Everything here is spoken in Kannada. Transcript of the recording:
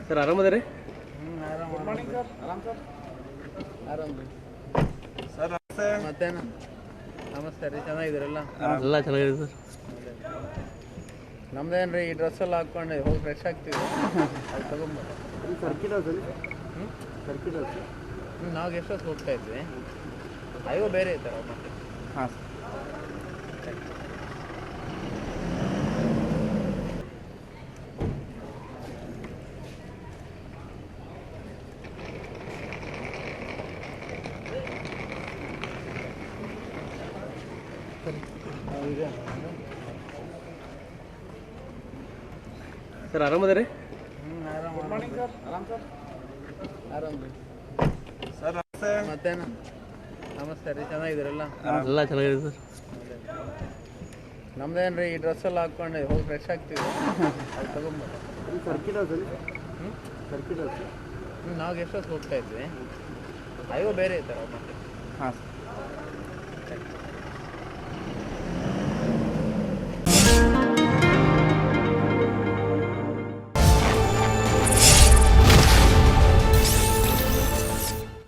ಸರ್ ಆರಾಮದ ರೀ? ಆರಾಮ್ ಸರ್. ಆರಾಮ್ ರೀ ಸರ್ ನಮಸ್ತೆ. ಮತ್ತೇನು ನಮಸ್ತೆ ರೀ, ಚೆನ್ನಾಗಿದ್ದೀರಲ್ಲ? ಎಲ್ಲ ಚೆನ್ನಾಗಿದೆ ಸರ್. ನಮ್ದೇನು ರೀ, ಈ ಡ್ರೆಸ್ ಎಲ್ಲ ಹಾಕ್ಕೊಂಡು ಹೋಗಿ ಫ್ರೆಶ್ ಆಗ್ತೀವಿ, ಅದು ತೊಗೊಂಬ ನಾವು ಗೆಸ್ಟ್ ಹೌಸ್ ಹೋಗ್ತಾ ಇದ್ವಿ, ಅಯ್ಯೋ ಬೇರೆ ಇರ್ತಾರೆ ಮತ್ತೆ. ಹಾಂ ಸರ್ ಆರಾಮದ ರೀ? ಆರಾಮ್ ಸರ್. ಆರಾಮ್ ರೀ ಸರ್ ನಮಸ್ತೆ. ಮತ್ತೇನು ನಮಸ್ತೆ ರೀ, ಚೆನ್ನಾಗಿದ್ದೀರಲ್ಲ? ಎಲ್ಲ ಚೆನ್ನಾಗಿದೆ ಸರ್. ನಮ್ದೇನು ರೀ, ಈ ಡ್ರೆಸ್ ಎಲ್ಲ ಹಾಕ್ಕೊಂಡು ಹೋಗಿ ಫ್ರೆಶ್ ಆಗ್ತೀವಿ, ಅದು ತೊಗೊಂಬ ನಾವು ಗೆಸ್ಟ್ ಹೌಸ್ ಹೋಗ್ತಾ ಇದ್ವಿ, ಅಯ್ಯೋ ಬೇರೆ ಇರ್ತಾರೆ ಮತ್ತೆ. ಹಾಂ